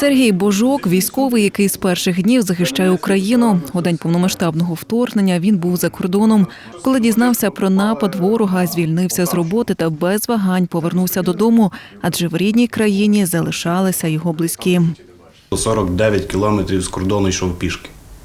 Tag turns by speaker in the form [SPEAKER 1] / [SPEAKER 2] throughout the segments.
[SPEAKER 1] Сергій Божок – військовий, який з перших днів захищає Україну. У день повномасштабного вторгнення він був за кордоном. Коли дізнався про напад ворога, звільнився з роботи та без вагань повернувся додому, адже в рідній країні залишалися його близькі.
[SPEAKER 2] 49 кілометрів з кордону йшов пішки.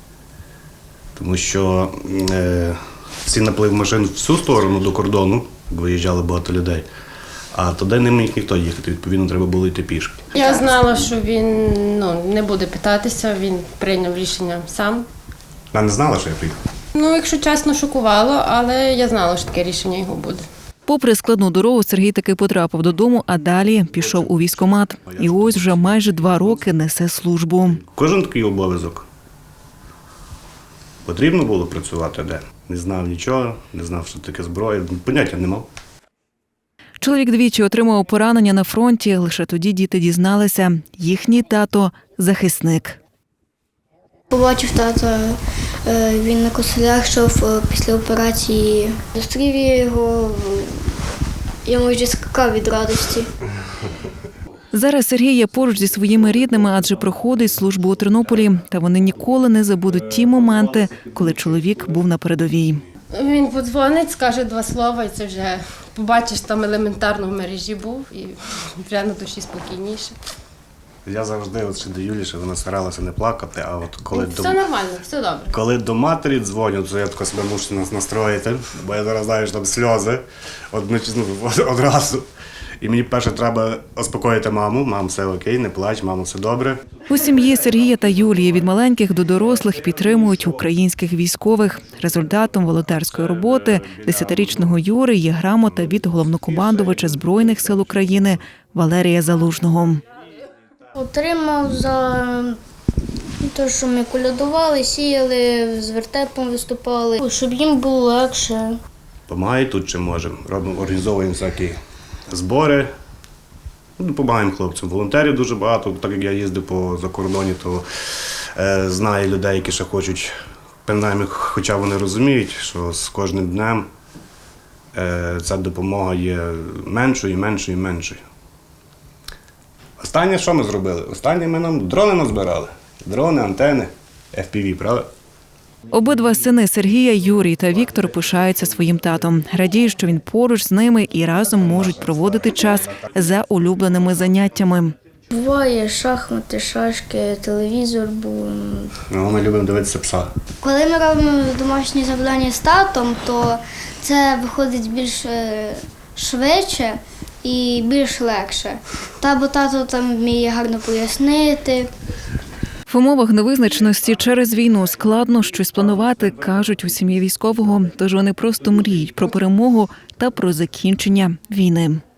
[SPEAKER 2] Тому що всі наплив машин в всю сторону до кордону, виїжджали багато людей, а туди не міг ніхто їхати, відповідно, треба було йти пішки.
[SPEAKER 3] Я знала, що він не буде питатися, він прийняв рішення сам.
[SPEAKER 2] Я не знала, що я приїхав.
[SPEAKER 3] Якщо чесно, шокувало, але я знала, що таке рішення його буде.
[SPEAKER 1] Попри складну дорогу, Сергій таки потрапив додому, а далі пішов у військкомат. І ось вже майже 2 роки несе службу.
[SPEAKER 2] Кожен такий обов'язок. Потрібно було працювати де. Не знав нічого, не знав, що таке зброя, поняття не мав.
[SPEAKER 1] Чоловік двічі отримав поранення на фронті. Лише тоді діти дізналися – їхній тато – захисник.
[SPEAKER 4] Побачив тата, він на костелях йшов після операції. Зустрів я його, я майже скакав від радості.
[SPEAKER 1] Зараз Сергій є поруч зі своїми рідними, адже проходить службу у Тернополі. Та вони ніколи не забудуть ті моменти, коли чоловік був на передовій.
[SPEAKER 3] Він подзвонить, скаже 2 слова, і це вже побачиш, там елементарно в мережі був, і вже на душі спокійніше.
[SPEAKER 2] Я завжди, ще до Юлі, що вона старалася не плакати, а от коли
[SPEAKER 3] Все нормально, все добре.
[SPEAKER 2] Коли до матері дзвоню, то я тако себе мушу нас настроїти, бо я зараз знаю, що там сльози одразу. І мені перше треба успокоїти маму. Мам, все окей, не плач, мамо, все добре.
[SPEAKER 1] У сім'ї Сергія та Юлії від маленьких до дорослих підтримують українських військових. Результатом волонтерської роботи 10-річного Юри є грамота від головнокомандувача Збройних сил України Валерія Залужного.
[SPEAKER 4] Отримав за те, що ми колядували, сіяли, з вертепом виступали, щоб їм було легше.
[SPEAKER 2] Помагає тут, чим можемо. Організовуємо всякі збори, допомагаємо хлопцям. Волонтерів дуже багато, так як я їздив по закордоні, то знаю людей, які ще хочуть, принаймні, хоча вони розуміють, що з кожним днем ця допомога є меншою і меншою і меншою. Останнє, що ми зробили? Останнє ми нам дрони назбирали. Дрони, антени, FPV, правда?
[SPEAKER 1] Обидва сини Сергія, Юрій та Віктор пишаються своїм татом. Радіють, що він поруч з ними і разом можуть проводити час за улюбленими заняттями.
[SPEAKER 4] Буває шахмати, шашки, телевізор.
[SPEAKER 2] Ми любимо дивитися пса.
[SPEAKER 4] Коли ми робимо домашні завдання з татом, то це виходить більш швидше і більш легше. Бо тато там вміє гарно пояснити.
[SPEAKER 1] В умовах невизначеності через війну складно щось планувати, кажуть у сім'ї військового. Тож вони просто мріють про перемогу та про закінчення війни.